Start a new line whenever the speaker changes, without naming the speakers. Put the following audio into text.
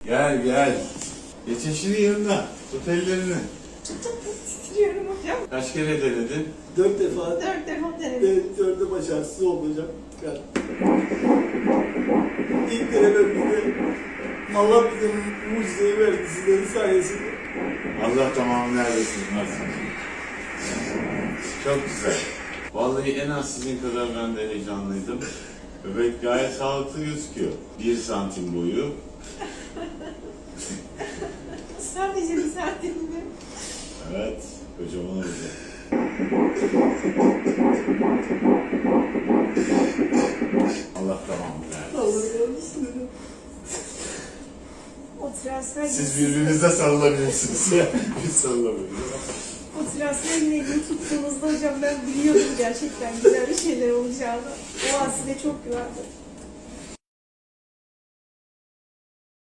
Gel gel. Geç eşinin yanına. Tut ellerini.
Titriyorum hocam.
Kaç kere denedin?
4 defa.
4 defa denedim.
4'de başarısız oldu hocam. İlk denememizde Allah bize mucizeyi verdi sizlerin sayesinde.
Allah tamamını neredesin? Nasıl? Çok güzel. Vallahi en az sizin kadar ben de heyecanlıydım. Bebek gayet sağlıklı gözüküyor. 1 santim boyu.
Sadece bir saatliğinde.
Evet, kocaman olacak. Allah tamamını versin.
Allah versin.
O transfer
Siz birbirinize sarılabilirsiniz. Biz sarılamıyoruz.
O transferin elini tuttuğunuzda hocam ben biliyordum gerçekten güzel bir şeyler olacağını. O an size çok güvendim.